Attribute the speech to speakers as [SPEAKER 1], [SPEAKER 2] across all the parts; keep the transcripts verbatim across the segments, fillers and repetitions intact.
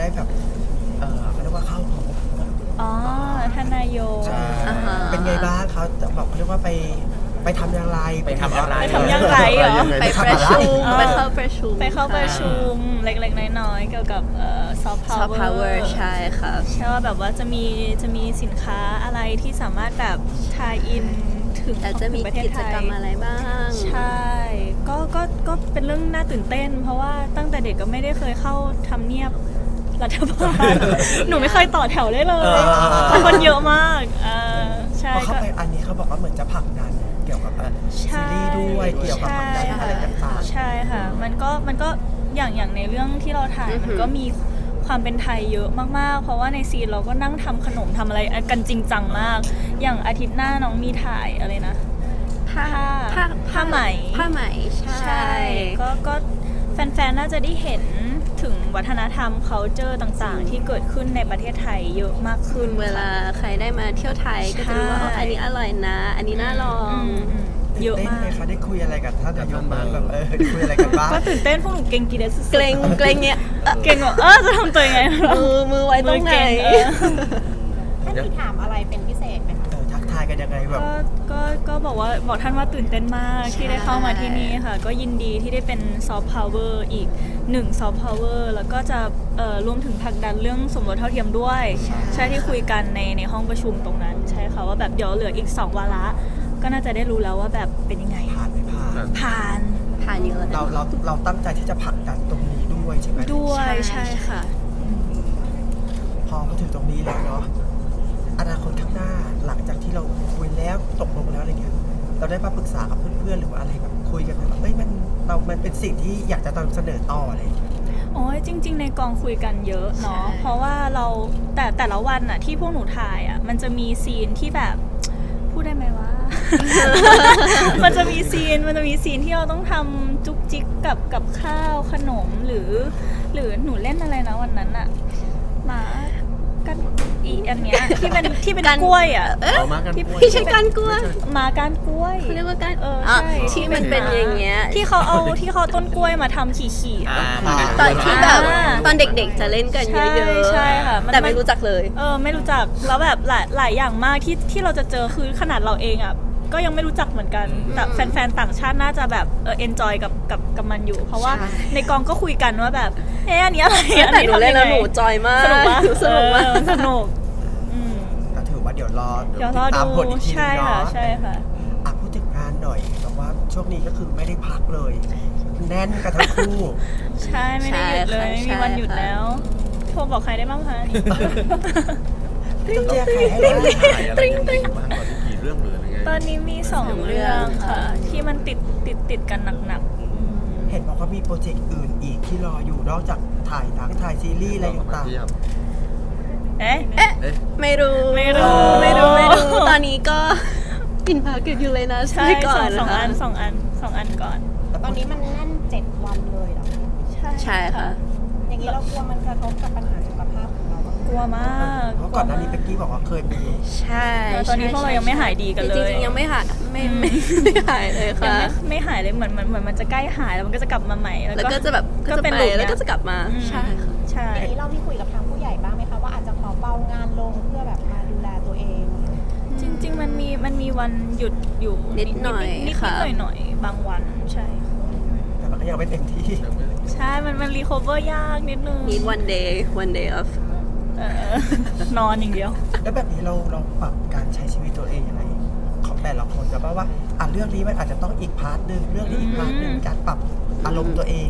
[SPEAKER 1] ได้แบบเออเขาเรียกว่าเข้าพบ
[SPEAKER 2] อ๋อท่านนายก
[SPEAKER 1] ใช่
[SPEAKER 3] อ่าฮะ
[SPEAKER 1] เป็นไงบ้างเขาจะบอกเขาเรียกว่าไปไปทำอย่างไร
[SPEAKER 4] ไปทำอะไร
[SPEAKER 2] ไปทำอย่างไรเหรอ
[SPEAKER 3] ไปประชุม
[SPEAKER 2] เออ
[SPEAKER 3] ไปเข้าประชุม
[SPEAKER 2] ไปเข้าประชุมเล็กๆน้อยๆเกี่ยวกับซอฟต์
[SPEAKER 3] ซอฟต์
[SPEAKER 2] พา
[SPEAKER 3] พาว ว
[SPEAKER 2] เว
[SPEAKER 3] เว
[SPEAKER 2] อ
[SPEAKER 3] อ
[SPEAKER 2] ร์
[SPEAKER 3] ร์ใช่ค่ะ
[SPEAKER 2] ใช่ว่าแบบว่าจะมีจะมีสินค้าอะไรที่สามารถแบบทายอินถึง
[SPEAKER 3] แต่จะมี
[SPEAKER 2] ถึงประเทศ
[SPEAKER 3] กิ
[SPEAKER 2] ไท
[SPEAKER 3] จ
[SPEAKER 2] ย
[SPEAKER 3] กรรมอะไรบ้าง
[SPEAKER 2] ใช่ก็ก็ก็เป็นเรื่องน่าตื่นเต้น เพราะว่าตั้งแต่เด็กก็ไม่ได้เคยเข้าทำเนียบรัฐบาล หนูไม่เคยต่อแถวได้เลยคนเยอะมากเออใช่
[SPEAKER 1] พอเข้า
[SPEAKER 2] ก็
[SPEAKER 1] ไปอันนี้เขาบอกว่าเหมือนจะผลักดันเกี่ยวกับเอ่อ
[SPEAKER 2] ใช่
[SPEAKER 1] ซีรีส์ด้วยเกี่ยวกับผลักดันอะไรต่าง
[SPEAKER 2] ใช่ค่ะ มันก็มันก็อย่างอย่างในเรื่องที่เราถ่าย
[SPEAKER 3] อือหือ
[SPEAKER 2] มันก็มีความเป็นไทยเยอะมากๆ เพราะว่าในซีนเราก็นั่งทำขนมทำอะไรกันจริงจังมาก อย่างอาทิตย์หน้าน้องมีถ่ายอะไรนะ
[SPEAKER 3] ผ้า
[SPEAKER 2] ผ้าผ้าไหม
[SPEAKER 3] ผ้าไหมใช่
[SPEAKER 2] ใช่ก็ก็แฟนๆ น่าจะได้เห็นถึงวัฒนธรรม culture ต่างๆ ที่เกิดขึ้นในประเทศไทยเยอะมากขึ้น
[SPEAKER 3] เวลาใครได้มาเที่ยวไทยก็จะรู้ว่า
[SPEAKER 2] ใช่
[SPEAKER 3] อ๋ออันนี้อร่อยนะ อันนี้น่าลอง
[SPEAKER 2] อืมอืม
[SPEAKER 1] ๆ
[SPEAKER 2] เยอะ
[SPEAKER 1] ตื่นเต้น
[SPEAKER 2] มา
[SPEAKER 1] ไหม
[SPEAKER 2] ก
[SPEAKER 1] คะได้คุยอะไรกับท่านนายกบ้างแบบเออได้คุยอะไรกันบ้าง
[SPEAKER 2] ก็ตื่นเต้นพวกหนูเก่งกีเดสสุดๆ
[SPEAKER 3] เกรงเกรงเนี่ยเอ่อ
[SPEAKER 2] เก่งแบบเออจะทำตัวยังไง
[SPEAKER 3] มือมือไว้ตรงไหน
[SPEAKER 2] มือเก่งเออ
[SPEAKER 5] ท่านมีถามอะไรเป็นพิเศษไหมคะ
[SPEAKER 1] เออทักทายกันยังไงแบบ
[SPEAKER 2] ก็ก็ก็บอกว่าบอกท่านว่าตื่นเต้นมากที่ได้เข้ามาที่นี่ค่ะ ก็ยินดีที่ได้เป็นซอฟต์พาวเวอร์อีกหนึ่งซอฟต์พาวเวอร์แล้วก็จะเอ่อรวมถึงผลักดันเรื่องสมรสเท่าเทียมด้วย ใช่ที่คุยกันในในห้องประชุมตรงนั้น ใช่ค่ะว่าแบบเดี๋ยวเหลืออีกสองวาระก็น่าจะได้รู้แล้วว่าแบบเป็นยังไง
[SPEAKER 1] ผ่านไม่ผ่าน
[SPEAKER 2] ผ่าน
[SPEAKER 3] ผ่านเยอะ
[SPEAKER 1] เราเราเราตั้งใจที่จะผลักดันตรงนี้ด้วยใช่ไหม
[SPEAKER 2] ด้วย
[SPEAKER 3] ใช่
[SPEAKER 2] ใช่ค่ะ
[SPEAKER 1] พอมาถึงตรงนี้แล้วเนาะอนาคตข้างหน้าหลังจากที่เราคุยแล้วตกลงแล้วอะไรเงี้ยเราได้มาปรึกษากับเพื่อนๆหรือว่าอะไรแบบคุยกันแบบเอ้ยมันเรามันเป็นสิ่งที่อยากจะนำเสนอต่ออะไรอย่างเงี้ย
[SPEAKER 2] โอ้ยจริง ๆ ในกองคุยกันเยอะเนาะเพราะว่าเราแต่แต่ละวันอะที่พวกหนูถ่ายอะมันจะมีซีนที่แบบพูดได้ไหมว่า มันจะมีซีนมันจะมีซีนที่เราต้องทำจุกจิกกับกับข้าวขนมหรือ หรือหนูเล่นอะไรนะวันนั้นอะหมากันอีอันเนี้ยที่เป็นที่เป็น
[SPEAKER 3] กัน
[SPEAKER 2] กล้วยอะ
[SPEAKER 3] เอ๊ะ
[SPEAKER 4] เอามากัน
[SPEAKER 2] ที่
[SPEAKER 4] กล้วย
[SPEAKER 3] ไม่ใช่การกล้วย
[SPEAKER 2] หมาก้านกล้วย
[SPEAKER 3] เขาเรียกว่าการ
[SPEAKER 2] เออ
[SPEAKER 3] อ่ะ
[SPEAKER 2] ใช่
[SPEAKER 3] ที่มันเป็นอย่างเงี้ย
[SPEAKER 2] ที่เขาเอาที่เขาเอาต้นกล้วยมาทำขี่ๆ
[SPEAKER 4] อ่า
[SPEAKER 2] อะ
[SPEAKER 4] มากัน
[SPEAKER 3] ตอนที่แบบ
[SPEAKER 2] อ่า
[SPEAKER 3] ตอนเด็กๆจะเล่นกันเยอะ
[SPEAKER 2] ใช่ใช่ค่ะมัน
[SPEAKER 3] ๆแต่ไม่รู้จักเลย
[SPEAKER 2] เออไม่รู้จักแล้วแบบหลายหลายอย่างมากที่ที่เราจะเจอคือขนาดเราเองอ่ะก็ยังไม่รู้จักเหมือนกันแต่แฟนๆต่างชาติน่าจะแบบเออเอนจอยกับกับกับมันอยู่ เพราะว่า
[SPEAKER 3] ใช่
[SPEAKER 2] ในกองก็คุยกันว่าแบบเอ๊ะอันนี้อะไรอั
[SPEAKER 3] แต่หนูเล่นแล้วหนูจอยมาก
[SPEAKER 2] สนุกปะ
[SPEAKER 3] สนุกมาก
[SPEAKER 2] เออสนุกอืม
[SPEAKER 1] ก็ถือว่าเดี๋ยวรอ
[SPEAKER 2] เดี๋ยวรอ
[SPEAKER 1] ติดตาม
[SPEAKER 2] ดู
[SPEAKER 1] ผลอีกที
[SPEAKER 2] ใช่
[SPEAKER 1] นึง
[SPEAKER 2] ค่ะ
[SPEAKER 1] เนาะ
[SPEAKER 2] ใช่ค่ะ
[SPEAKER 1] อ่ะพูดถึงงานหน่อยแต่ว่าช่วงนี้ก็คือไม่ได้พักเลยแน่นกันทั้งคู่
[SPEAKER 2] ใช่ไม่ได้หยุดเลย
[SPEAKER 3] ใช่ค่ะ
[SPEAKER 2] ไม่มีวันหยุด
[SPEAKER 3] ใช่ค่ะ
[SPEAKER 2] แล้วโทรบอกใครได้บ้างคะ
[SPEAKER 1] ต้องแจ้งใครให้ได้
[SPEAKER 4] ถ่ายอะไรยังไงอยู่บ้างตอนนี้กี่เรื่องหรืออะไรไง
[SPEAKER 2] ตอนนี้มีสองเรื่องค่ะ ที่มันติดติดติดกันหนักๆอืม
[SPEAKER 1] เห็นบอกว่ามีโปรเจกต์อื่นอีกที่รออยู่นอกจากถ่ายหนังถ่ายซีรีส์อะไรต่าง
[SPEAKER 4] เทียบ
[SPEAKER 2] เอ๊ะ
[SPEAKER 3] เอ๊ะ
[SPEAKER 4] เอ๊ะ
[SPEAKER 3] ไม่รู้
[SPEAKER 2] ไม่รู้
[SPEAKER 3] ไม่รู้ไม่รู้ตอนนี้ก็กินพักกันอยู่เลยนะ
[SPEAKER 2] ใช่
[SPEAKER 3] ก่
[SPEAKER 2] ส
[SPEAKER 3] อ
[SPEAKER 2] อน งสอง
[SPEAKER 3] นะคะ
[SPEAKER 2] อันสองอันสองอันก่อน
[SPEAKER 1] ๆแล้ว
[SPEAKER 5] ตอนนี้มันแน่นเจ็ดวันเลยเหรอ
[SPEAKER 3] ใช่ค่ะ
[SPEAKER 5] อย่างนี้เรากลัวมันกระทบกับปัญหาสุขภาพของเราบ้างไหม
[SPEAKER 2] กลัวมาก
[SPEAKER 1] เพราะก่อนหน้านี้เป็กกี้บอกว่าเคยมี
[SPEAKER 3] ใช่
[SPEAKER 2] แล้วตอนนี้พวกเรายังไม่หายดีกันเลย
[SPEAKER 3] จริงๆยังไม่หายไม่ไม่ไม่หายเลย
[SPEAKER 2] ยัง
[SPEAKER 3] ค่ะ
[SPEAKER 2] ไม่ไม่หายเลยเหมือนเหมือนเหมือนมันจะใกล้หายแล้วมันก็จะกลับมาใหม่ แล้ว
[SPEAKER 3] แล้ว
[SPEAKER 2] ก็
[SPEAKER 3] ก็จะแบบ
[SPEAKER 2] ก็
[SPEAKER 3] ก็จะ
[SPEAKER 2] เป็น
[SPEAKER 3] ไป
[SPEAKER 2] ลูป
[SPEAKER 3] แล้วก็จะกลับมา
[SPEAKER 2] อืม
[SPEAKER 3] ใช่ค่ะ
[SPEAKER 2] ใช่
[SPEAKER 5] อย่างนี้เรามีคุยกับทางผู้ใหญ่บ้างไหมคะว่าอาจจะขอเบางานลงเพื่อแบบมาดูแลตัวเอง
[SPEAKER 2] จริง ๆ มันมีมันมีวันหยุดอยู่
[SPEAKER 3] นิดหน่อย
[SPEAKER 2] นิดนิด
[SPEAKER 3] ค่ะ
[SPEAKER 2] หน่อยหน่อยๆบางวันใช่
[SPEAKER 1] แต่มันก็ยังไม่เต็มที่
[SPEAKER 2] ใช่มันมันรีคอเวอร์ยากนิดนึง
[SPEAKER 3] need one day one day off
[SPEAKER 2] เออนอนอย่างเดียว
[SPEAKER 1] แล้วแบบนี้เราเราปรับการใช้ชีวิตตัวเองยังไงของแต่ละคนจะว่าว่าอ่ะเรื่องนี้มันอาจจะต้องอีกพาร์ทหนึ่งเรื่องนี้อีกพาร์ทหนึ่ง
[SPEAKER 2] อืม
[SPEAKER 1] การปรับอารมณ์ตัวเอง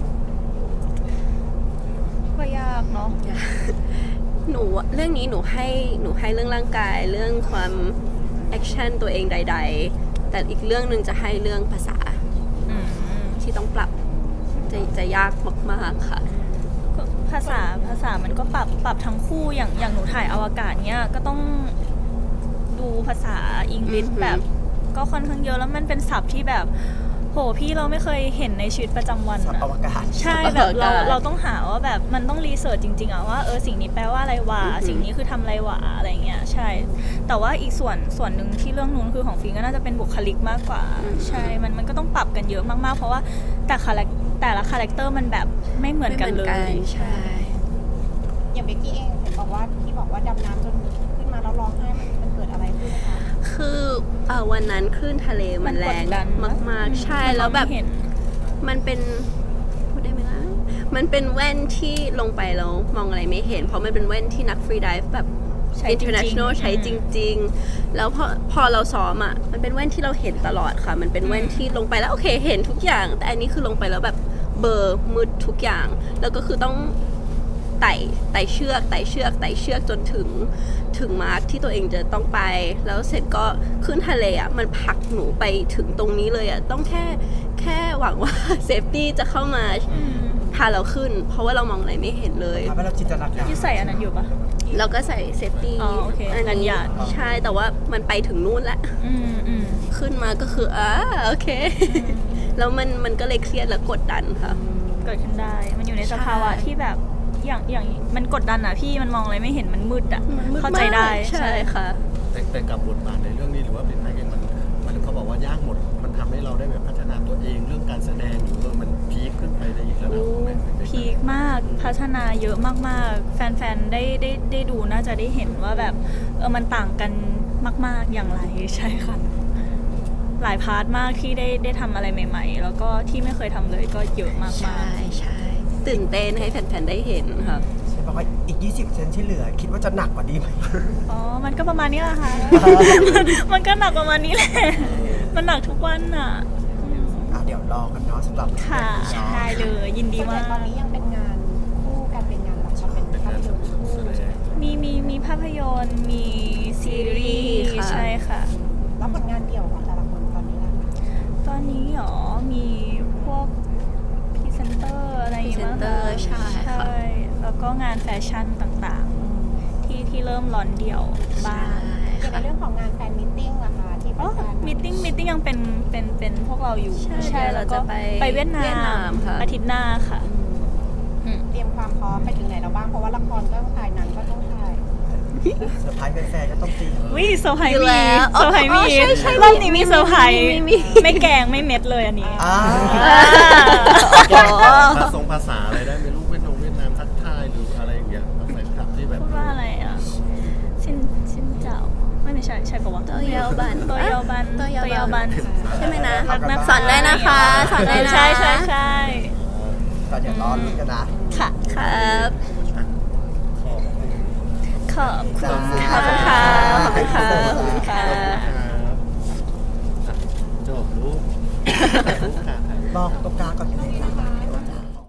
[SPEAKER 2] ก็ยากเนาะ
[SPEAKER 3] หนูเรื่องนี้หนูให้หนูให้เรื่องร่างกายเรื่องความแอคชั่นตัวเองใด ๆ แต่อีกเรื่องหนึ่งจะให้เรื่องภาษา
[SPEAKER 2] อืม
[SPEAKER 3] ที่ต้องปรับจะจะยากมากๆค่ะ
[SPEAKER 2] ก็ภาษาภาษามันก็ปรับปรับทั้งคู่อย่างอย่างหนูถ่ายอวกาศเนี้ยก็ต้องดูภาษาอังกฤษ
[SPEAKER 3] อือหือ
[SPEAKER 2] แบบก็ค่อนข้างเยอะแล้วมันเป็นศัพท์ที่แบบโหพี่เราไม่เคยเห็นในชีวิตประจำวัน
[SPEAKER 1] สับ
[SPEAKER 2] อะ
[SPEAKER 1] อวกาศ
[SPEAKER 2] ใช่แบบเราเราต้องหาว่าแบบมันต้องรีเสิร์ชจริงๆอะว่าเออสิ่งนี้แปลว่าอะไรวะ
[SPEAKER 3] อือหือ
[SPEAKER 2] สิ่งนี้คือทำอะไรวะอะไรเงี้ยใช่ แต่ว่าอีกส่วนส่วนหนึ่งที่เรื่องนู้นคือของฟิงก็น่าจะเป็นบุคลิกมากกว่า ใช่มันมันก็ต้องปรับกันเยอะมากๆ เพราะว่าแต่คาแรคแต่ละคาแรคเตอร์มันแบบไม่เหมือนกันเลย
[SPEAKER 3] ใช่
[SPEAKER 5] อย่างอย่างเบกกี้เองเห็นบอกว่าที่บอกว่าดำน้ำจนขึ้นมาแล้วร้องไห้มันมันเกิดอะไรขึ้นคะ
[SPEAKER 3] คือเอ่อวันนั้นคลื่นทะเลมันแรง
[SPEAKER 2] มันกดดัน
[SPEAKER 3] มากๆ ใช่แล้วแบบ
[SPEAKER 2] เห็น
[SPEAKER 3] มันเป็นพูดได้ไหมล่ะมันเป็นแว่นที่ลงไปแล้วมองอะไรไม่เห็น เพราะมันเป็นแว่นที่นักฟรีไดิฟแบบ
[SPEAKER 2] ใช้จริงๆ
[SPEAKER 3] international ใช้
[SPEAKER 2] อืม
[SPEAKER 3] จริง ๆ แล้วพอพอเราซ้อมอ่ะมันเป็นแว่นที่เราเห็นตลอดค่ะ มันเป็นแว่นที่ลงไปแล้วโอเคเห็นทุกอย่าง แต่อันนี้คือลงไปแล้วแบบเบลอร์มืดทุกอย่าง แล้วก็คือต้องไต่ไต่เชือกไต่เชือกไต่เชือกจนถึงถึงมาร์คที่ตัวเองจะต้องไป แล้วเสร็จก็ขึ้นทะเลอ่ะมันผลักหนูไปถึงตรงนี้เลยอ่ะต้องแค่แค่หวังว่า เซฟตี้จะเข้ามา
[SPEAKER 2] อืม
[SPEAKER 3] พาเราขึ้น เพราะว่าเรามองอะไรไม่เห็นเลย
[SPEAKER 1] ทำให้เราจินตนาการ
[SPEAKER 2] ที่ใส่อันนั้นอยู่ปะ
[SPEAKER 3] เราก็ใส่เซฟตี้
[SPEAKER 2] อ๋อโอเค
[SPEAKER 3] อัน
[SPEAKER 2] กัน
[SPEAKER 3] นี้
[SPEAKER 2] หยาด
[SPEAKER 3] ใช่แต่ว่ามันไปถึงนู่นแล้ว
[SPEAKER 2] อืมอืม
[SPEAKER 3] ขึ้นมาก็คืออ่าโอเค แล้วมันมันก็เลยเครียดและกดดันค่ะ
[SPEAKER 2] เกิดขึ้นได้ มันอยู่ในสภาวะ
[SPEAKER 3] ใช่
[SPEAKER 2] ที่แบบอย่างอย่างมันกดดันอะพี่มันมองอะไรไม่เห็นมันมืดอะ
[SPEAKER 3] มันมืด
[SPEAKER 2] เข้าใจได้
[SPEAKER 3] มากใช่ค่ะ
[SPEAKER 4] แต่แต่กับบทบาทในเรื่องนี้หรือว่าเป็นนักเองมันมันเขาบอกว่ายากหมด มันทำให้เราได้แบบพัฒนาตัวเองเรื่องการแสดงหรือว่ามันพีคขึ้นไปในอีกระดับหนึ่งไหม
[SPEAKER 2] พีคมากพัฒนาเยอะมากๆ แฟนๆ ได้ได้ได้ดูน่าจะได้เห็นว่าแบบเออมันต่างกันมาก ๆอย่างไรใช่ค่ะ หลายพาร์ทมากที่ได้ได้ทำอะไรใหม่ ๆ แล้วก็ที่ไม่เคยทำเลยก็เยอะมาก
[SPEAKER 3] ใช่ใช่ตื่นเต้นให้แฟนๆได้เห็นค่ะ
[SPEAKER 1] บอกว่าอีก ยี่สิบเซนที่เหลือ คิดว่าจะหนักกว่านี้ไหม
[SPEAKER 2] ๆอ๋อมันก็ประมาณนี้แหละค่ะ มันก็หนักประมาณนี้แหละมันหนักทุกวันอะ
[SPEAKER 1] อ่ะเดี๋ยวรอกันเนาะสำหรับ
[SPEAKER 2] ค่ะ
[SPEAKER 1] เนาะ
[SPEAKER 2] ได้เลยยินดี
[SPEAKER 5] ส่วนให
[SPEAKER 2] มา
[SPEAKER 5] ญ่ตอน
[SPEAKER 2] ก
[SPEAKER 5] นี้ยังเป็นงานคู่กันเป็นงานละครเป็น
[SPEAKER 4] เป็นาร
[SPEAKER 5] ภางพยนตร์คู่
[SPEAKER 4] แสดง
[SPEAKER 2] มีมีมีภาพยนตร์มีซีรีส์
[SPEAKER 3] ค่ะ
[SPEAKER 2] ใช่ค่ะ
[SPEAKER 5] แล้วผลงานเดี่ยวของแต่ละคนตอนนี้ล่ะ
[SPEAKER 2] ตอนนี้หรอมีพวกพรีเซนเตอร์อะไรอย่างเงี้ยมั้ง
[SPEAKER 3] พรีเซนเตอร์ใช่ค่ะ
[SPEAKER 2] ใช่แล้วก็งานแฟชั่นต่างๆ ที่ที่เริ่มร้อนเดี่ยวบ้าง
[SPEAKER 5] อย่างในเรื่องของงานแฟนมิทติ้งล่ะคะที่
[SPEAKER 2] อ๋อ
[SPEAKER 5] แฟนๆ
[SPEAKER 2] มิทติ้งมิทติ้งยังเป็นเป็นเป็นพวกเราอยู่
[SPEAKER 3] ใช่เดี๋ยว
[SPEAKER 2] แล้
[SPEAKER 3] เรา
[SPEAKER 2] วก็
[SPEAKER 3] จะไป
[SPEAKER 2] ไปเวียดนา
[SPEAKER 3] เวียดนาม
[SPEAKER 2] ม
[SPEAKER 3] ค่ะ
[SPEAKER 2] อาทิตย์หน้าค่ะอืม
[SPEAKER 5] เตรียมความพร้อมไปถึงไหนแล้วบ้างเพราะว่าละครก็ต้องถ่ายหนังก็ต้องถ่าย
[SPEAKER 1] เซอร์ไพรส์แฟนๆก็ต้องเตรียม
[SPEAKER 2] วิเซอร์ไพรส์
[SPEAKER 3] อยู่
[SPEAKER 2] มี
[SPEAKER 3] แล้ว
[SPEAKER 2] เซอร์ไพรส์
[SPEAKER 3] อ๋
[SPEAKER 2] มี
[SPEAKER 3] อใช่ใช่
[SPEAKER 2] รอบนี้มีเซอร์ไพรส์
[SPEAKER 3] มีมี
[SPEAKER 2] ไม่แกงไม่เม็ดเลยอันนี้
[SPEAKER 1] อ่า
[SPEAKER 3] อ๋อ
[SPEAKER 4] ภาษาภาษาอะไรได้ไหมลูกเวียดนามเวียดนามทักทายหรืออะไรอย่างเงี้ยแฟนคลับที่แบบ
[SPEAKER 2] พูดว่าอะไรอ่ะชินชินเจ้าไม่ไม่ใช่ใช่ปะวะ
[SPEAKER 3] โตโยบัน
[SPEAKER 2] โตโยบัน
[SPEAKER 3] โตโยบัน
[SPEAKER 2] โตโยบัน
[SPEAKER 3] ใช่ไหมนะ
[SPEAKER 2] รักนะ
[SPEAKER 3] สอนได้นะคะสอนได้นะ
[SPEAKER 2] ใช่ใช่ใช่
[SPEAKER 1] ก็เดี๋ยวรอลุ้นกันนะ
[SPEAKER 2] ค่ะ
[SPEAKER 3] ครับ
[SPEAKER 4] ขอบคุณ
[SPEAKER 2] ขอบคุณ
[SPEAKER 3] ขอบคุณค่ะขอบคุณค่ะขอบคุณค่ะ
[SPEAKER 4] จบลูก
[SPEAKER 1] ลองตรงกลางก่อนก็ได้ค่ะ